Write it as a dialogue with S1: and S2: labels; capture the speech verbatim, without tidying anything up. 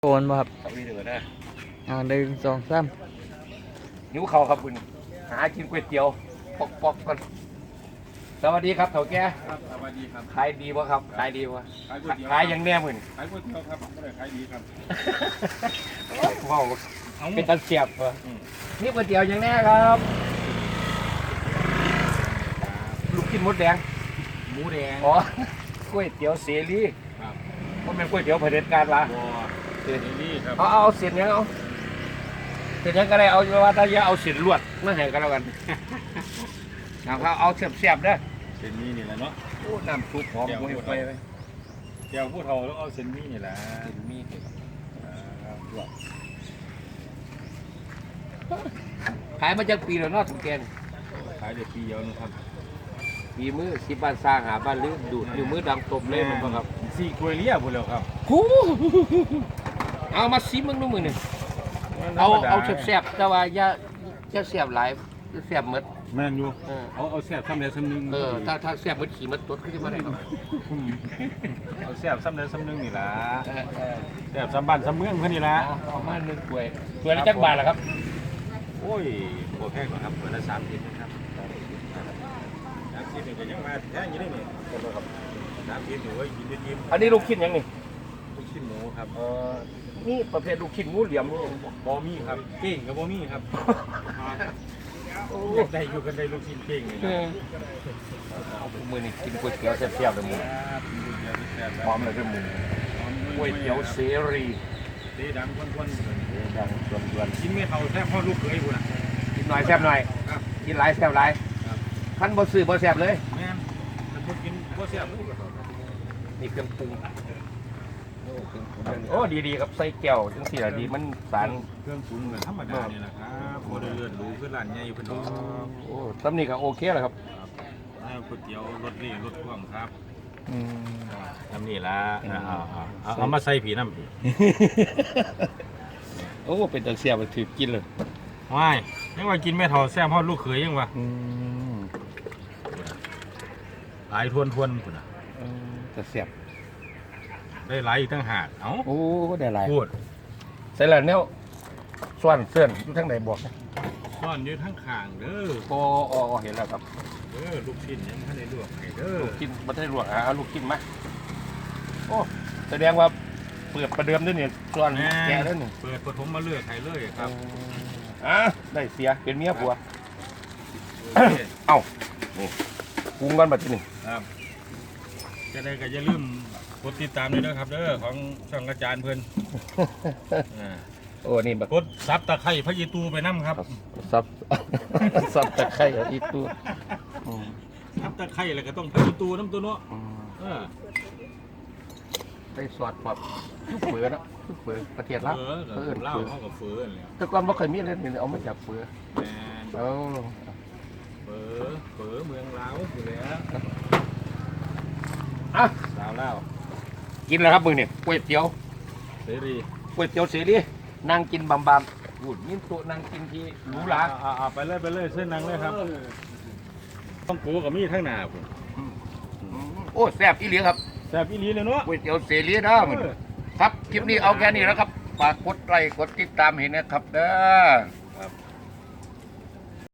S1: โอนมาครับ
S2: เอาอีเดือนะ
S1: อ่าหนึ่งสองสาม
S2: นิ้วเขาครับคุณหากินก๋วยเตี๋ยวปอกปอกก่อนสวัสดีครับเถ่าแก่
S3: ครับสวัสดีครับ
S2: ขายดีวะครับขายดีวะ
S3: ขายก๋วยเตี๋ยว
S2: ขายยังแน่มึง
S3: ขายก๋วยเตี๋ยวครับไม่ได้ขายดีครับ
S2: ว้าวเป็นตะเสียบเหรอนี่ก๋วยเตี๋ยวยังแน่ครับลูกชิ้นมดแดง
S3: หมูแดง
S2: อ๋อก๋วยเตี๋ยวเสรี
S3: ครับ
S2: ก็เป็นก๋วยเตี๋ยวเผด็จการวะ
S3: บัวเสรีครับ
S2: เอาเอาเสียนยังเอาเสียนยังก็ได้เอาว่าถ้าจะเอาเสียนลวดมาให้กันแล้วกันเอาเอาเสียบเสียบเด้อ
S3: เส้นนี้นี่แหละเนาะ
S2: โอ้น้ำซุปหอมมวยไปเลย
S3: เดี๋ยวผู้เฒ่าแล้วเอาเส้นนี้นี่แหละ
S2: เส้นมีลวกขายมาจากปีแล้วเนาะถุงแกง
S3: ขายเด็กปีเดียวนะครับ
S2: ปีมือสิบ้านสร้างหาบ้านลื้อดูดอยู่มือดังตบเลยมันบ่ครับ
S3: สี่กล้วยเลี้ยพูดแล้วครับ
S2: เอามาซิมึงดูมือหนึ่งเอาเอาแซ่บๆแต่ว่าอย่าอย่าแซ่บหลายแซ่บหมด
S3: แม่นอยู่เอาเอาแซ่บซ้ำเดียวซ้ำนึง
S2: เออถ้าถ้าแซ่บหมดขี่มันตดขึ้นมาได้ครับ
S3: เอาแซ่บซ้ำเดียวซ้ำนึงนี่ล่ะแซ่บซ้ำบ้านซ้ำเมืองเพื่อนนี่ล่ะ
S2: เอามาหนึ่งถ้วยถ้วยละจักบาทล่ะครับ
S3: โอ้ยโคตรแพงกว่าครับถ้วยละสามสิบนะครับสามสิบนี่ก็ยังมาแพงอยู่ได้นี่ครับสามสิบอยู่ไว้กินยิ้ม
S2: อันนี้ลูกชิ้นยังนี่
S3: ลูกชิ้นหมูครับ
S2: เออนี่ประเภทลูกชิ้นงูเหลี่ยมนี่
S3: บอมี่ครับเก่งกับบอมี่ครับได้อยู่กันได้ลูกชิ้นเก่งเลยนะ
S2: เอามือนี่กินก๋วยเตี๋ยวแซ่บๆเลยมึงพร้อมเลยด้วยมึงก๋วยเตี๋ยวเสรี
S3: เสีดังควน
S2: ๆดังชวน
S3: ๆกินไม่เท่าแซ่บพ่อลูกเคยคุณอ่ะ
S2: กินหน่อยแซ่บหน่อยกินหลายแซ่บหลายขั้นบ่ซื้อบ่แซ่บเลย
S3: แม่นถ้าพูดกินบ่แซ่บ
S2: นี่เครื่องปรุงโอ้ดีๆครับใส่แก้วจังซี่ล่ะดีมันสาร
S3: เครื่องปรุงเหมือนธรรมดานี่แหละครับบ่ได้เลือดรู้คือร้านใหญ่เพิ่นดอก
S2: โอ้ตำนี้ก็โอเคแล้วครับ
S3: ก๋วยเตี๋ยวรสนี่รสกว้างครับ
S2: อืม
S3: ทำนี่ล่ะเอาๆเอามาใส่ผีน้ำผี
S2: โอ้เป็นตะเสียบถือกินเลย
S3: ว้ายยังว่ากินไม่เท่าแซ่บพ่อลูกเขยยังวะหลายทวนทวนคุณอ่ะ
S2: ตะเสียบ
S3: ได้หลายอีกตั้งหากเอ้า
S2: โอ้ได้หลาย
S3: พูด
S2: ใส่แล้วเนี่ยส่วนเสื่อนทั้งไหนบอก
S3: ซ่อนอยู่ทั้งข้างเด้อ
S2: โอ้อ๋อเห็นแล้วครับ
S3: เด้อลูกชิ้นยังไม่ได้ลวกให้เด้อ
S2: ลูกชิ้นไม่ได้ลวกอ่ะเอาลูกชิ้นมาโอ้แสดงว่าเปิดประเดิมด้วยเนี่ยส่วนแกแล้วหนึ่ง
S3: เปิดปฐมมาเลือกให้เลยครับ
S2: อ่ะได้เสียเป็นเมียผัวเอ้านี่ปรุงกันแบบที่หนึ่ง
S3: ครับจะได้ก็อย่าลืมกดติดตามด้วยนะครับเด้อของช่องอาจารย์เพื่อน
S2: โอ้นี่แบบ
S3: กดซับตะไคร้พระยีตูไปน้ำครับ
S2: ซับซับตะไคร้พระยีตู
S3: ซับตะไคร้อะไรก็ต้องพระยีตูน้ำตัวเนาะ
S2: ได้สอดแบบลูกเฟือนะลูกเฟือประเทศลาว
S3: เฟือเล่าเขากับเฟือเลย
S2: แต่ก่อนว่าเคยมีเล่นนี่เอามาจากเฟือเอา
S3: เฟือเฟือเมืองลาวอยู่แล้ว
S2: อ่ะ
S3: ลาวเล่า
S2: กินแล้วครับมึงเนี่ยก๋วยเตี๋ยว
S3: เสรี
S2: ก๋วยเตี๋ยวเสรีนั่งกินบำบำหุ่นยิ้มตัวนั่งกินที่หรูหรา
S3: อ่าไปเลยไปเลยเส้นนั่งเลยครับต้องกูกับมีทั้งหนาผม
S2: โอ้แซ่บอีหลีครับ
S3: แซ่บอีหลีเลยเนาะ
S2: ก๋วยเตี๋ยวเสรีนะมึงครับคลิปนี้เอาแค่นี้แล้วครับฝากกดไลค์กดติดตามเห็นนะครับเด้อ